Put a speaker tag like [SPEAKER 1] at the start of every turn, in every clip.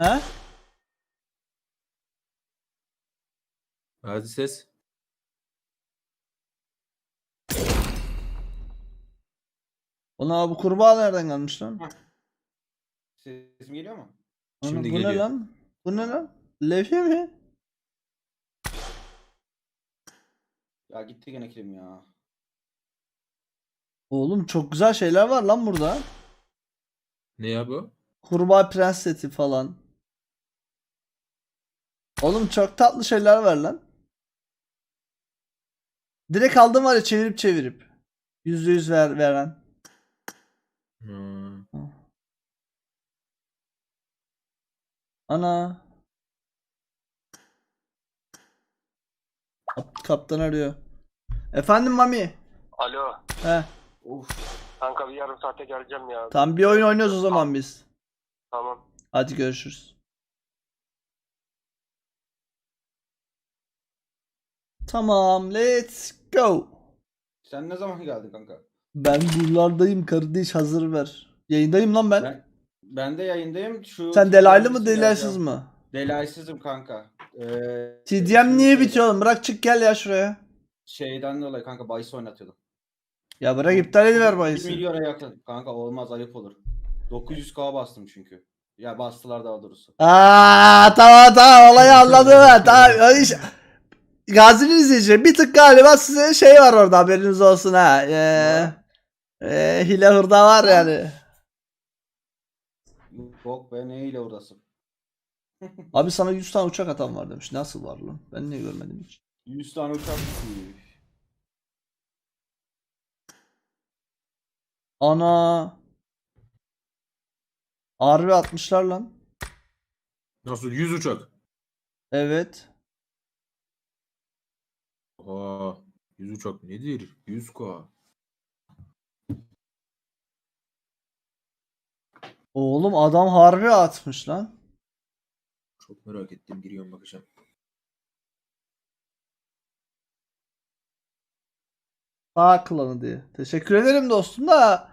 [SPEAKER 1] He?
[SPEAKER 2] Hadi ses.
[SPEAKER 1] Ona bu kurbağa nereden gelmiş lan?
[SPEAKER 3] Sesim geliyor mu?
[SPEAKER 2] Şimdi
[SPEAKER 1] Bu ne
[SPEAKER 2] geliyor.
[SPEAKER 1] lan? Bu ne lan? Levye mi?
[SPEAKER 3] Ya gitti gene kilim ya.
[SPEAKER 1] Oğlum çok güzel şeyler var lan burada.
[SPEAKER 2] Ne ya bu?
[SPEAKER 1] Kurbağa prens seti falan. Oğlum çok tatlı şeyler var lan. Direkt aldım var ya, çevirip çevirip. %100 veren.
[SPEAKER 2] Hmm.
[SPEAKER 1] Ana. Kaptan arıyor. Efendim Mami.
[SPEAKER 4] Alo.
[SPEAKER 1] He.
[SPEAKER 3] Of.
[SPEAKER 4] Kanka bir yarım saate geleceğim ya.
[SPEAKER 1] Tam bir oyun oynuyoruz o zaman biz.
[SPEAKER 4] Tamam.
[SPEAKER 1] Hadi görüşürüz. Tamam, let's go.
[SPEAKER 3] Sen ne zaman geldin kanka?
[SPEAKER 1] Ben buralardayım kardeş, hazır ver. Yayındayım lan ben.
[SPEAKER 3] Ben de yayındayım.
[SPEAKER 1] Sen delaylı mı delaysız mı?
[SPEAKER 3] Delaysızım kanka.
[SPEAKER 1] TDM niye bitiyor oğlum? Bırak çık gel ya şuraya.
[SPEAKER 3] Şeyden dolayı kanka bahis oynatıyordum.
[SPEAKER 1] Ya bırak iptal ediver
[SPEAKER 3] 1
[SPEAKER 1] bahisi.
[SPEAKER 3] milyona yakın. Kanka olmaz, ayıp olur. 900k bastım çünkü. Ya bastılar daha doğrusu.
[SPEAKER 1] Tamam olayı anladım ben. Tamam iş. Gazi'nin izleyici bir tık galiba size şey var orada, haberiniz olsun ha. Hile hurda var yani.
[SPEAKER 3] Yok be, neyle uğrasın.
[SPEAKER 1] Abi sana 100 tane uçak atan var demiş. Nasıl var lan? Ben niye görmedim hiç?
[SPEAKER 3] 100 tane uçak düşmüş.
[SPEAKER 1] Ana. Harbi atmışlar lan.
[SPEAKER 2] Nasıl 100 uçak?
[SPEAKER 1] Evet.
[SPEAKER 2] Aa, 100 uçak nedir? 100K.
[SPEAKER 1] Oğlum adam harbi atmış lan.
[SPEAKER 2] Çok merak ettim. Giriyorum bakacağım.
[SPEAKER 1] Sağ klanı diye. Teşekkür ederim dostum da.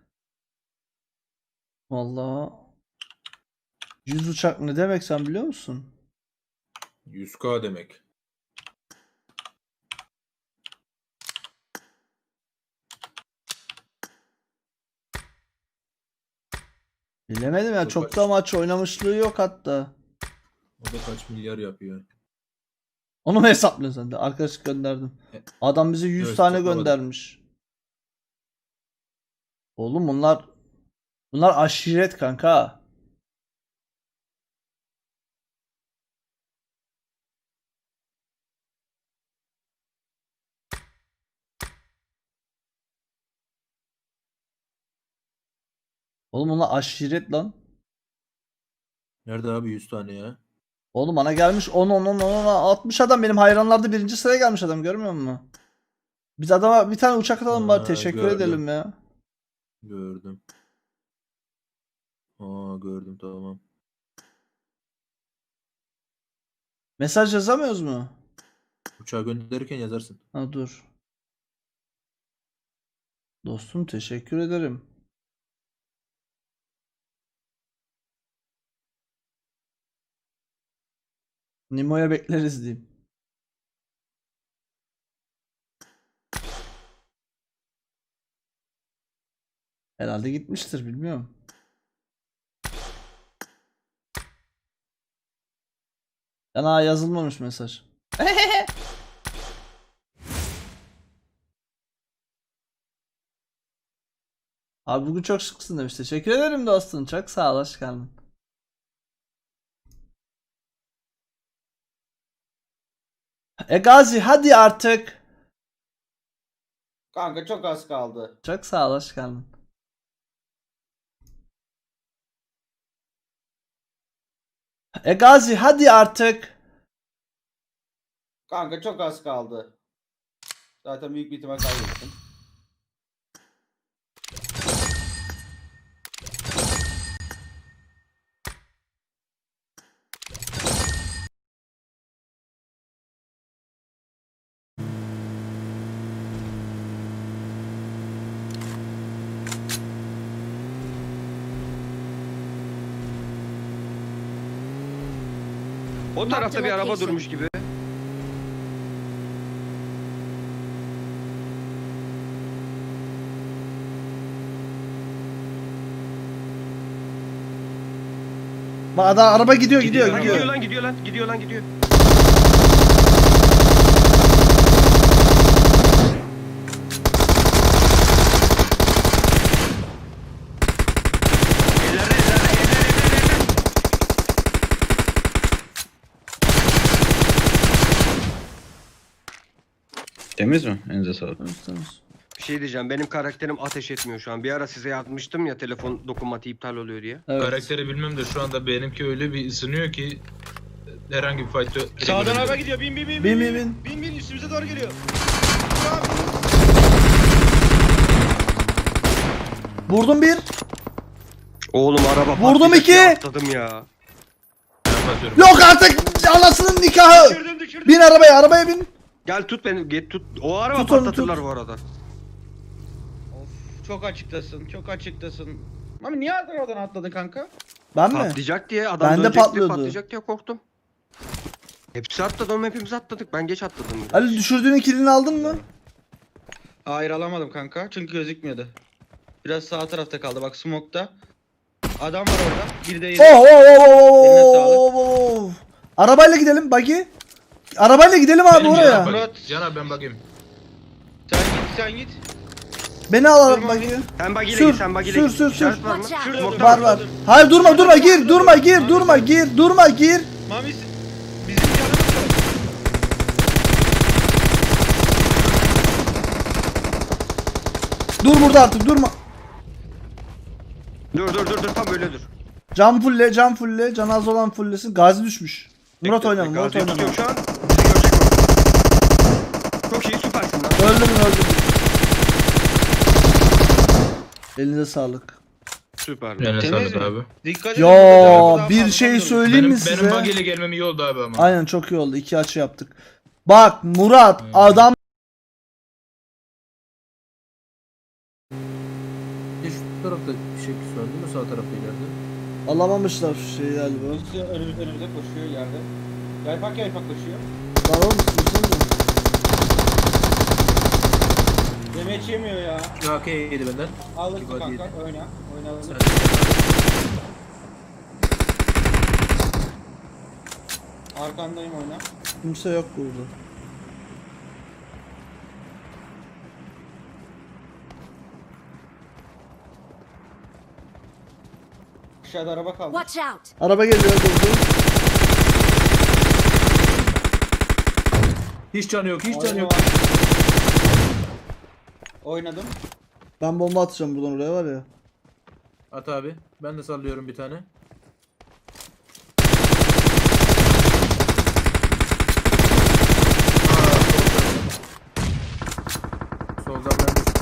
[SPEAKER 1] Vallahi 100 uçak ne demek sen biliyor musun?
[SPEAKER 2] 100K demek.
[SPEAKER 1] Bilemedim ya, çok da maç oynamışlığı yok hatta.
[SPEAKER 2] O da kaç milyar yapıyor?
[SPEAKER 1] Onu mu hesaplıyorsun sen de? Arkadaşlık gönderdim. Adam bize 100
[SPEAKER 2] Evet,
[SPEAKER 1] tane
[SPEAKER 2] hesaplamadım.
[SPEAKER 1] göndermiş. Oğlum bunlar aşiret kanka. Oğlum bunlar aşiret lan.
[SPEAKER 2] Nerede abi 100 tane ya?
[SPEAKER 1] Oğlum bana gelmiş 10 60 adam, benim hayranlarda birinci sıraya gelmiş adam, görmüyor musun? Biz adama bir tane uçak atalım bari, teşekkür
[SPEAKER 2] gördüm.
[SPEAKER 1] edelim ya.
[SPEAKER 2] Gördüm. Gördüm, tamam.
[SPEAKER 1] Mesaj yazamıyoruz mu?
[SPEAKER 2] Uçağı gönderirken yazarsın.
[SPEAKER 1] Ha dur. Dostum teşekkür ederim. Nimo'ya bekleriz diyeyim. Herhalde gitmiştir, bilmiyorum. Yana yazılmamış mesaj. Abi bugün çok şıksın demiş. Teşekkür ederim dostum. Çok sağ ol. Hoş geldin. Gazi hadi artık.
[SPEAKER 3] Kanka çok az kaldı.
[SPEAKER 1] Çok sağ ol. Hoş geldin. Gazi hadi artık.
[SPEAKER 3] Kanka çok az kaldı. Zaten büyük bir ihtimal kaybettim.
[SPEAKER 5] O tarafta bir araba durmuş gibi.
[SPEAKER 1] Bak adam araba gidiyor gidiyor
[SPEAKER 5] Lan
[SPEAKER 1] gidiyor.
[SPEAKER 5] gidiyor lan gidiyor lan gidiyor lan gidiyor. Evlerde, evlerde.
[SPEAKER 6] Temiz mi? Elinize sağlık.
[SPEAKER 5] Bir şey diyeceğim, benim karakterim ateş etmiyor şu an. Bir ara size yazmıştım ya, telefon dokunmatiği iptal oluyor diye.
[SPEAKER 1] Evet.
[SPEAKER 2] Karakteri bilmem de şu anda benimki öyle bir ısınıyor ki herhangi bir fight'ı...
[SPEAKER 7] Sağdan araba gidiyor. Bin.
[SPEAKER 1] Bin bin bin.
[SPEAKER 7] Bin üstümüze doğru geliyor.
[SPEAKER 1] Vurdum bir.
[SPEAKER 5] Oğlum araba
[SPEAKER 1] Vurdum
[SPEAKER 5] patlayacak
[SPEAKER 1] iki.
[SPEAKER 5] diye atladım ya.
[SPEAKER 2] Kapatıyorum.
[SPEAKER 1] Yok artık anasının nikahı.
[SPEAKER 7] Düşürdüm.
[SPEAKER 1] Bin arabaya bin.
[SPEAKER 5] Gel tut beni, get tut. O araba
[SPEAKER 1] Tut onu,
[SPEAKER 5] patlatırlar
[SPEAKER 1] tut.
[SPEAKER 5] bu arada.
[SPEAKER 7] Of, çok açıktasın. Mami niye oradan atladın kanka?
[SPEAKER 1] Ben mi?
[SPEAKER 5] Patlayacak diye adam
[SPEAKER 1] Bende
[SPEAKER 5] dönecek diye
[SPEAKER 1] patlıyordu.
[SPEAKER 5] patlayacak diye korktum. Hepsi atladı oğlum, hepimiz atladık. Ben geç atladım. biraz.
[SPEAKER 1] Ali düşürdüğün kilini aldın mı?
[SPEAKER 7] Hayır alamadım kanka çünkü gözükmüyordu. Biraz sağ tarafta kaldı bak smoke'ta. Adam var orada. Bir de yedi.
[SPEAKER 1] Oh,
[SPEAKER 7] Eline sağlık.
[SPEAKER 1] oh. Arabayla gidelim buggy. Arabayla gidelim abi
[SPEAKER 2] Benim
[SPEAKER 1] oraya.
[SPEAKER 2] Can abi,
[SPEAKER 7] Murat.
[SPEAKER 2] Can abi ben bakayım.
[SPEAKER 7] Sen git.
[SPEAKER 1] Beni al
[SPEAKER 7] Tamam.
[SPEAKER 1] buggy'ye.
[SPEAKER 5] Sen bagiyle
[SPEAKER 1] Sür,
[SPEAKER 5] git, sen bagiyle
[SPEAKER 1] sür,
[SPEAKER 5] git.
[SPEAKER 1] sür,
[SPEAKER 5] İşaret
[SPEAKER 1] sür.
[SPEAKER 5] var mı?
[SPEAKER 8] Watch out.
[SPEAKER 5] Smoke'tan
[SPEAKER 1] Var var. Hayır durma gir. Durma gir.
[SPEAKER 7] Mami bizim yanımız var.
[SPEAKER 1] Dur burada artık durma.
[SPEAKER 5] Dur tam öyle dur.
[SPEAKER 1] Can fulle. Can az olan fullesin. Gazi düşmüş. Murat oynama.
[SPEAKER 5] Gazi'yi tutuyorum şu an. Bizi görecek o. Çok iyi, süpersin lan.
[SPEAKER 1] Öldüm. Elinize sağlık.
[SPEAKER 5] Süper.
[SPEAKER 2] Eline
[SPEAKER 7] Temiz
[SPEAKER 2] sağlık
[SPEAKER 7] mi?
[SPEAKER 2] abi.
[SPEAKER 7] Dikkat edin.
[SPEAKER 1] Ya
[SPEAKER 7] Arkadan
[SPEAKER 1] bir
[SPEAKER 7] fazla
[SPEAKER 1] şey
[SPEAKER 7] kalmıyoruz.
[SPEAKER 1] söyleyeyim mi
[SPEAKER 2] Benim
[SPEAKER 1] size?
[SPEAKER 2] buggy'le gelmem iyi oldu abi ama.
[SPEAKER 1] Aynen çok iyi oldu. 2 açı yaptık. Bak Murat adam
[SPEAKER 2] Şu tarafta bir şey söndü mü sağ tarafta ileride?
[SPEAKER 1] alamamışlar şu şeyi galiba.
[SPEAKER 3] Birisi önümüze koşuyor yerde. Yaypak koşuyor.
[SPEAKER 1] Lan oğlum düşünsene.
[SPEAKER 3] Demeç yemiyor ya.
[SPEAKER 2] Ya okey yedi benden.
[SPEAKER 3] Aldık
[SPEAKER 2] İki body
[SPEAKER 3] kanka.
[SPEAKER 2] yedi.
[SPEAKER 3] Oyna.
[SPEAKER 2] Sen-
[SPEAKER 3] Arkandayım oyna.
[SPEAKER 1] Kimse yok burada.
[SPEAKER 3] Aşağıda araba kaldı.
[SPEAKER 8] Watch out!
[SPEAKER 1] Araba geliyor durdu.
[SPEAKER 2] Hiç canı yok, hiç canı
[SPEAKER 3] Oyna
[SPEAKER 2] yok.
[SPEAKER 3] var. Oynadım.
[SPEAKER 1] Ben bomba atacağım buradan oraya var ya.
[SPEAKER 2] At abi. Ben de sallıyorum bir tane. Soldan ben düştüm.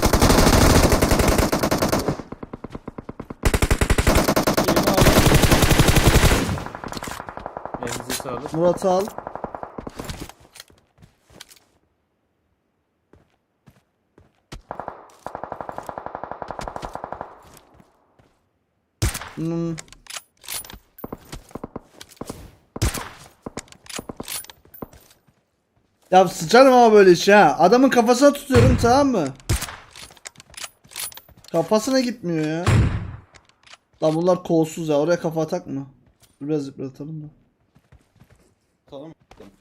[SPEAKER 3] Şeyimi aldım.
[SPEAKER 2] Elinize sağlık.
[SPEAKER 1] Murat'ı al. Hmm. Ya sıçarım ama böyle iş ha. Adamın kafasına tutuyorum tamam mı? Kafasına gitmiyor ya. Lan bunlar kolsuz ya. Oraya kafa atak mı? Dur biraz yıpratalım da.
[SPEAKER 3] Tamam.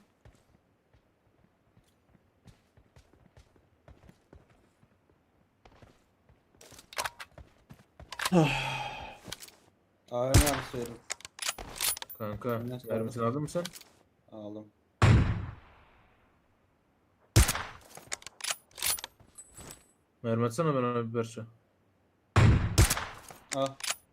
[SPEAKER 3] AVM arası verin.
[SPEAKER 2] Kanka,
[SPEAKER 3] Eline sağlık.
[SPEAKER 2] mermisini aldın mı sen?
[SPEAKER 3] Aldım.
[SPEAKER 2] Mermi atsana ben ona bir parça.
[SPEAKER 3] Al.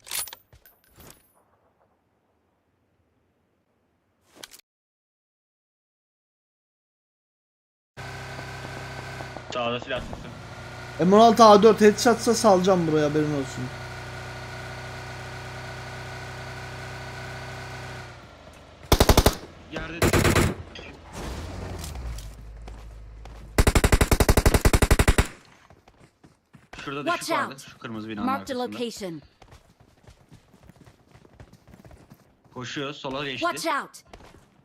[SPEAKER 7] Sağda silah tuttum.
[SPEAKER 1] M16 A4 headshot'sa salacağım buraya haberin olsun.
[SPEAKER 5] Yerde
[SPEAKER 7] Şurada
[SPEAKER 8] Watch
[SPEAKER 7] düşük vardı.
[SPEAKER 8] out.
[SPEAKER 7] Şu kırmızı binanın
[SPEAKER 8] Marked a
[SPEAKER 7] arkasında.
[SPEAKER 8] location.
[SPEAKER 7] Koşuyor sola geçti.
[SPEAKER 8] Watch out!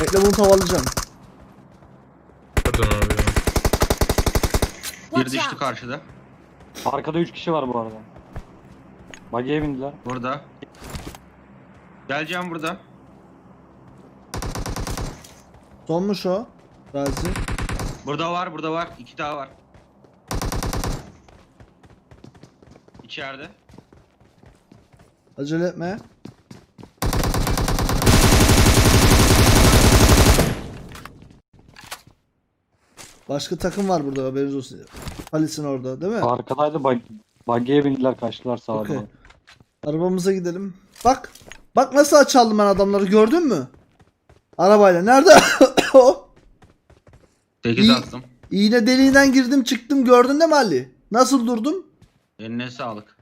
[SPEAKER 1] Bekle bunu tavalayacağım.
[SPEAKER 2] Pardon abi ya.
[SPEAKER 7] Bir düştü karşıda.
[SPEAKER 8] Arkada 3 kişi var bu arada. Buggy'e bindiler.
[SPEAKER 7] Burada. Geleceğim burada.
[SPEAKER 1] Sonmuş o. Gazi.
[SPEAKER 7] Burada var, burada var. 2 daha var. İçeride.
[SPEAKER 1] Acele etme. Başka takım var burada haberiniz olsun. Halis'in orada değil mi?
[SPEAKER 8] Arkadaydı buggy'e bindiler kaçtılar sağa
[SPEAKER 1] Okey.
[SPEAKER 8] doğru.
[SPEAKER 1] Arabamıza gidelim. Bak. Bak nasıl açaldım ben adamları gördün mü? Arabayla. Nerede? O.
[SPEAKER 7] 8
[SPEAKER 1] İyi.
[SPEAKER 7] attım.
[SPEAKER 1] İğne deliğinden girdim çıktım gördün değil mi Ali? Nasıl durdum?
[SPEAKER 7] Eline sağlık.